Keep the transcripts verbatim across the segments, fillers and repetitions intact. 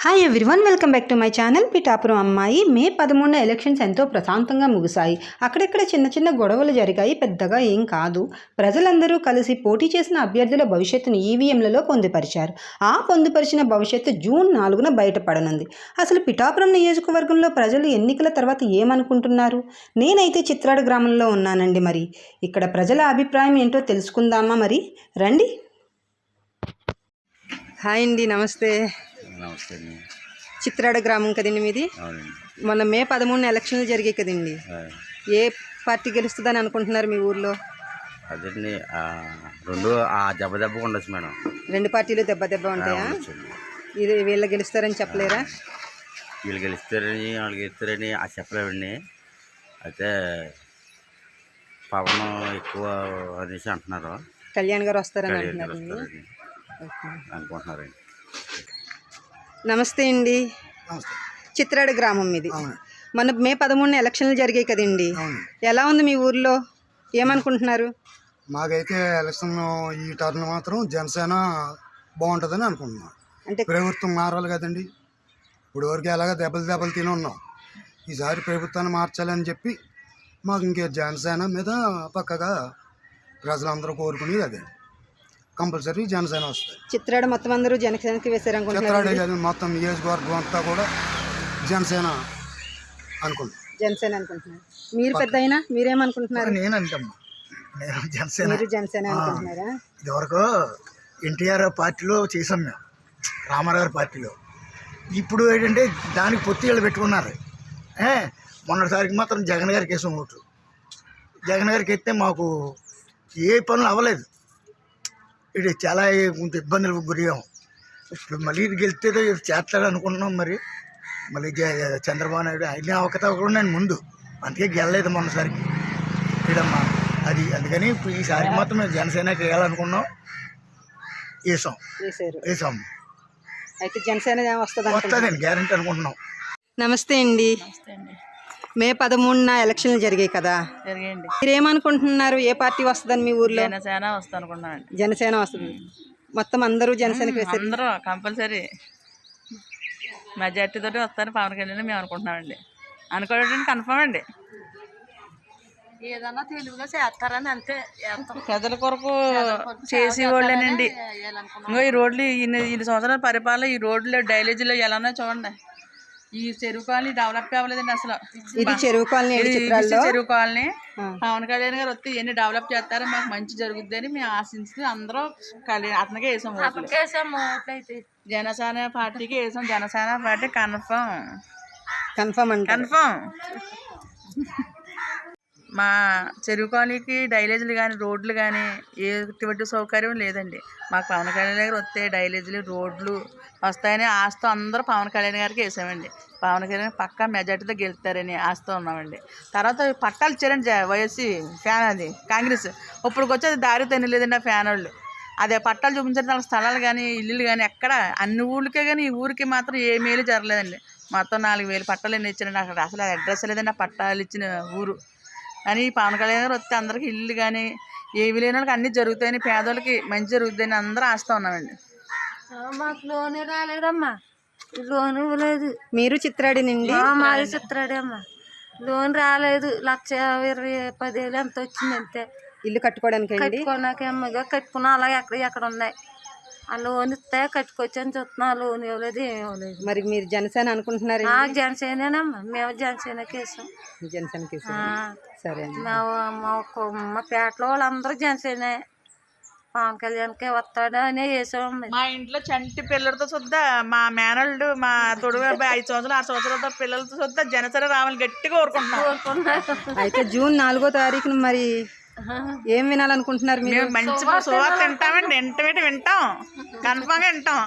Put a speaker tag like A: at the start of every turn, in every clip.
A: Hi everyone, welcome back to my channel. Pithapuram అమ్మాయి. May పదమూడున elections ఎంతో ప్రశాంతంగా ముగిశాయి. అక్కడెక్కడ చిన్న చిన్న గొడవలు జరిగాయి, పెద్దగా ఏం కాదు. ప్రజలందరూ కలిసి పోటీ చేసిన అభ్యర్థుల భవిష్యత్తును ఈవీఎంలలో పొందుపరిచారు. ఆ పొందుపరిచిన భవిష్యత్తు జూన్ నాలుగున బయటపడనుంది. అసలు పిఠాపురం నియోజకవర్గంలో ప్రజలు ఎన్నికల తర్వాత ఏమనుకుంటున్నారు? నేనైతే చిత్రాడ గ్రామంలో ఉన్నానండి. మరి ఇక్కడ ప్రజల అభిప్రాయం ఏంటో తెలుసుకుందామా? మరి రండి. హాయ్ అండి, నమస్తే.
B: నమస్తే.
A: చిత్రాడ గ్రామం కదండి మీది. మొన్న మే పదమూడున ఎలక్షన్లు జరిగాయి కదండి. ఏ పార్టీ గెలుస్తుందని అనుకుంటున్నారు మీ ఊర్లో?
B: అదండి రెండు దెబ్బ దెబ్బ ఉండొచ్చు మేడం.
A: రెండు పార్టీలు దెబ్బ దెబ్బ ఉంటాయా? ఇది వీళ్ళు గెలుస్తారని చెప్పలేరా?
B: వీళ్ళు గెలుస్తారని వాళ్ళు గెలుస్తారని అది చెప్పలేవండి. అయితే పవన్ ఎక్కువ అనేసి అంటున్నారు.
A: కళ్యాణ్ గారు వస్తారని అంటున్నారు
B: అనుకుంటున్నారండి.
A: నమస్తే అండి. చిత్రాడ గ్రామం ఇది. మన మే పదమూడున ఎలక్షన్లు జరిగాయి కదండి. ఎలా ఉంది మీ ఊర్లో? ఏమనుకుంటున్నారు?
C: మాకైతే ఎలక్షన్ ఈ టర్న్ మాత్రం జనసేన బాగుంటుందని అనుకుంటున్నాం. అంటే ప్రభుత్వం మారాలి కదండి. ఇప్పుడు వరకు ఎలాగ దెబ్బలు దెబ్బలు తిని ఉన్నాం. ఈసారి ప్రభుత్వాన్ని మార్చాలని చెప్పి మాకు ఇంకే జనసేన మీద పక్కగా ప్రజలందరూ కోరుకునేది అదే. కంపల్సరీ జనసేన వస్తుంది.
A: చిత్రాడ మొత్తం అందరూ జనసేనకి వేసారనుకుంటున్నారు.
C: చిత్రాడ మొత్తం నియోజకవర్గం అంతా కూడా జనసేన అనుకుంటున్నాం.
A: జనసేన అనుకుంటున్నారు. మీరు పెద్ద అయినా మీరేమనుకుంటున్నారు?
C: నేను అంటమ్మా, నేను జనసేన.
A: మీరు జనసేన అనుకుంటున్నారా?
C: ఇదివరకు ఎన్టీఆర్ పార్టీలో చేసాం మేము, రామారావు పార్టీలో. ఇప్పుడు ఏంటంటే దానికి పొత్తిళ్ళు పెట్టుకున్నారు. మొన్నటిసారికి మాత్రం జగన్ గారికి వేసాం ఓటు. జగన్ గారికి ఎత్తే మాకు ఏ పనులు అవ్వలేదు. ఇది చాలా ఇబ్బందులకు గురయ్యాము. ఇప్పుడు మళ్ళీ ఇది గెలిస్తే చేస్తాడు అనుకుంటున్నాం. మరి మళ్ళీ చంద్రబాబు నాయుడు ఆయన అవకతవకలు నేను ముందు అందుకే గెలలేదు మొన్నసారికి ఇదమ్మా అది. అందుకని ఇప్పుడు ఈసారి మాత్రం మేము జనసేనకి వేయాలనుకున్నాం. వేసాం వేసాం
A: అయితే జనసేన వస్తుంది
C: వస్తుందండి, గ్యారెంటీ అనుకుంటున్నాం.
A: నమస్తే అండి. మే పదమూడున ఎలక్షన్లు జరిగాయి కదా.
D: జరిగాయండి.
A: మీరేమనుకుంటున్నారు? ఏ పార్టీ వస్తుందని మీ ఊర్లో?
D: జనసేన వస్తుంది అనుకుంటున్నాను.
A: జనసేన వస్తుంది. మొత్తం అందరూ జనసేనకి వేస్తారు.
D: అందరూ కంపల్సరీ మెజార్టీ తోటి వస్తారు పవన్ కళ్యాణ్ మేము అనుకుంటున్నామండి. అనుకోవడానికి కన్ఫర్మ్ అండి. ఏదన్నా తెలుగుగా చేస్తారని అంతే. ప్రజల కొరకు చేసే వాళ్ళేనండి. ఇంకా ఈ రోడ్లు ఇన్ని ఇన్ని సంవత్సరాల పరిపాలన ఈ రోడ్లు డైలేజీలో ఎలానో చూడండి. ఈ చెరువు కాలనీ డెవలప్ అవ్వలేదండి అసలు.
A: ఇది చెరువు కాలనీ.
D: చెరువు కాలనీ పవన్ కళ్యాణ్ గారు వస్తే ఎన్ని డెవలప్ చేస్తారో మాకు మంచి జరుగుద్ది అని మేము ఆశించి అందరూ కళ్యాణ్ అతనికే వేసాం. జనసేన పార్టీకి వేసాం. జనసేన పార్టీ కన్ఫర్మ్
A: కన్ఫర్మ్ అండి
D: కన్ఫర్మ్. మా చెరువు కాలనీకి డైలేజీలు కానీ రోడ్లు కానీ ఎటువంటి సౌకర్యం లేదండి. మాకు పవన్ కళ్యాణ్ గారు వస్తే డైలేజీలు రోడ్లు వస్తాయని ఆస్తో అందరూ పవన్ కళ్యాణ్ గారికి వేసామండి. పవన్ కళ్యాణ్ పక్కా మెజార్టీతో గెలుస్తారని ఆస్తో ఉన్నామండి. తర్వాత పట్టాలు ఇచ్చారండి వైఎస్సీ ఫ్యాన్ అది కాంగ్రెస్. ఇప్పటికి వచ్చేది దారి తినలేదండి ఆ ఫ్యాన్ వాళ్ళు. అదే పట్టాలు చూపించారు. వాళ్ళ స్థలాలు కానీ ఇల్లులు కానీ ఎక్కడ అన్ని ఊళ్ళకే కానీ ఈ ఊరికి మాత్రం ఏ మేలు జరగలేదండి. మొత్తం నాలుగు వేలు పట్టాలు ఎన్ని ఇచ్చారండి. అక్కడ అసలు అడ్రస్ లేదండి ఆ పట్టాలు ఇచ్చిన ఊరు. కానీ పవన్ కళ్యాణ్ గారు వస్తే అందరికి ఇల్లు కానీ ఏవి లేని వాళ్ళకి అన్నీ జరుగుతాయని, పేదోళ్ళకి మంచి జరుగుతాయని అందరూ ఆస్తా ఉన్నామండి.
E: మాకు లోన్ రాలేదమ్మా. లోన్ ఇవ్వలేదు.
A: మీరు చిత్రాడి నుండి?
E: మాది చిత్రాడే అమ్మా. లోన్ రాలేదు. లక్ష ఇరవై పదివేలు ఎంత వచ్చింది అంతే.
A: ఇల్లు కట్టుకోవడానికి
E: కట్టుకోడానికి అమ్మగా కట్టుకున్నా అలా ఎక్కడ ఎక్కడ ఉన్నాయి. ఆ లోన్ ఇస్తే కట్టుకొచ్చని చూస్తున్నా. లోన్ ఇవ్వలేదు, ఏమి ఇవ్వలేదు.
A: మరి మీరు జనసేన అనుకుంటున్నారు?
E: జనసేనేనమ్మా. మేము జనసేనకి వేసాం.
A: జనసేనకి సరే.
E: మా పేటలో వాళ్ళందరూ జనసేనే. పవన్ కళ్యాణ్కే వస్తాడు అనే వేసాం.
D: మా ఇంట్లో చంటి పిల్లలతో చూద్దా మా మేనల్డ్ మా తొడుగు ఐదు సంవత్సరాలు ఆరు సంవత్సరాలతో పిల్లలతో చూద్దా జనసేన రావాలని గట్టిగా కోరుకుంటున్నాం.
A: అయితే జూన్ నాలుగో తారీఖున మరి ఏం వినాలనుకుంటున్నారు మీరు?
D: మంచి సువార్త వింటామండి. వెంటనే వింటాం, కన్ఫర్మ్గా వింటాం.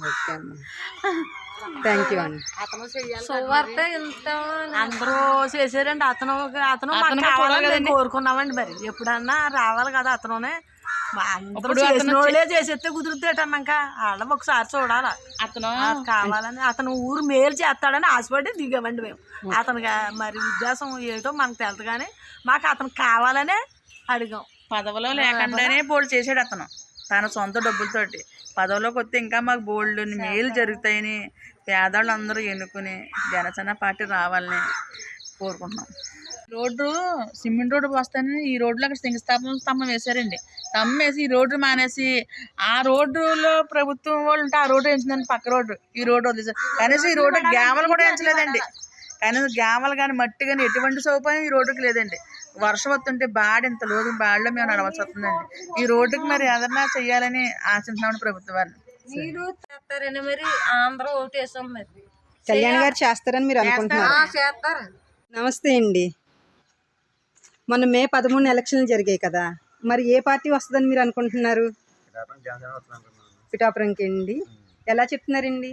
A: థ్యాంక్ యూ అండి.
E: సువార్త
F: అందరూ చేశారండి. అతను అతను కావాలని కోరుకున్నామండి. మరి ఎప్పుడన్నా రావాలి కదా అతనునే. అందరూ చేసిన వాళ్ళే చేసేస్తే కుదురుతాడన్నాక వాళ్ళం ఒకసారి చూడాలి. అతను కావాలని అతను ఊరు మేలు చేస్తాడని ఆశపడి దిగామండి మేము. అతనికి మరి ఉద్దేశం ఏంటో మనకు తెలుసు కానీ మాకు అతను కావాలనే అడిగాం.
D: పదవిలో లేకుండానే బోల్డ్ చేసాడు అతను. తన సొంత డబ్బులతోటి. పదవిలోకి వస్తే ఇంకా మాకు బోల్డ్ మేలు జరుగుతాయని పేదవాళ్ళు అందరూ ఎన్నుకుని జనసేన పార్టీ రావాలని కోరుకుంటున్నాం. రోడ్డు సిమెంట్ రోడ్డు వస్తాయని ఈ రోడ్లో అక్కడ శంకుస్థాపన స్తంభం వేశారండి. స్తంభం వేసి ఈ రోడ్డు మానేసి ఆ రోడ్డులో ప్రభుత్వం వాళ్ళు ఉంటే ఆ రోడ్డు వేయించిందండి, పక్క రోడ్డు ఈ రోడ్డు వదిలేసారు. కనీసం ఈ రోడ్డు గ్యామలు కూడా వేయించలేదండి. కనీసం గ్యామలు కానీ మట్టి కానీ ఎటువంటి సౌకర్యం ఈ రోడ్డుకి లేదండి. వర్షం వస్తుంటే బాడి ఇంత లోతు బాడిలో మేము నడవాల్సి వస్తుందండి. ఈ రోడ్డుకి మరి ఏదన్నా చెయ్యాలని ఆశిస్తున్నాం ప్రభుత్వాన్ని.
E: మీరు చేస్తారని మరి ఆంధ్ర ఓటేసాం మరి
A: కళ్యాణ్ గారు చేస్తారని మీరు అనుకుంటున్నారు?
E: చేస్తారు.
A: నమస్తే అండి. మొన్న మే పదమూడు ఎలక్షన్లు జరిగాయి కదా, మరి ఏ పార్టీ వస్తుందని మీరు అనుకుంటున్నారు? పిఠాపురంకి అండి. ఎలా చెప్తున్నారండి?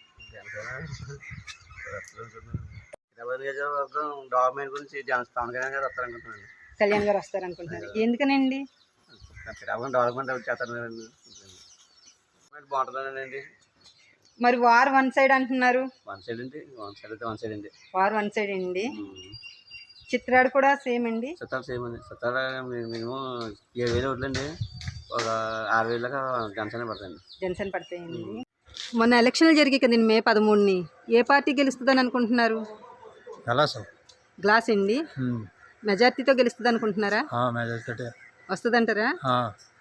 B: గవర్నమెంట్ గురించి పవన్ కళ్యాణ్ గారు వస్తారనుకుంటున్నాను.
A: కళ్యాణ్ గారు వస్తారనుకుంటున్నారు. ఎందుకనండి?
B: డెవలప్మెంట్ చేస్తారు కదండి, బాగుంటుందండి.
A: మరి వార్ వన్ సైడ్ అంటున్నారు.
B: వన్ సైడ్ అండి, వన్ సైడ్ అయితే వన్ సైడ్ అండి.
A: వార్ వన్ సైడ్ అండి. చిత్రాడు కూడా సేమ్ అండి.
B: సత్తాలు సేమ్ అండి. సత్తాలు మినిమం ఏడు వేలు ఓట్లండి, ఒక ఆరు వేలకు జనసేన పడతాయండి.
A: జనసేన పడతాయండి. మొన్న ఎలక్షన్లు జరిగాయి కదండి మే పదమూడుని, ఏ పార్టీ గెలుస్తుందని అనుకుంటున్నారు? గ్లాస్ అండి. మెజార్టీతో గెలుస్తుంది అనుకుంటున్నారా? వస్తుందంటారా?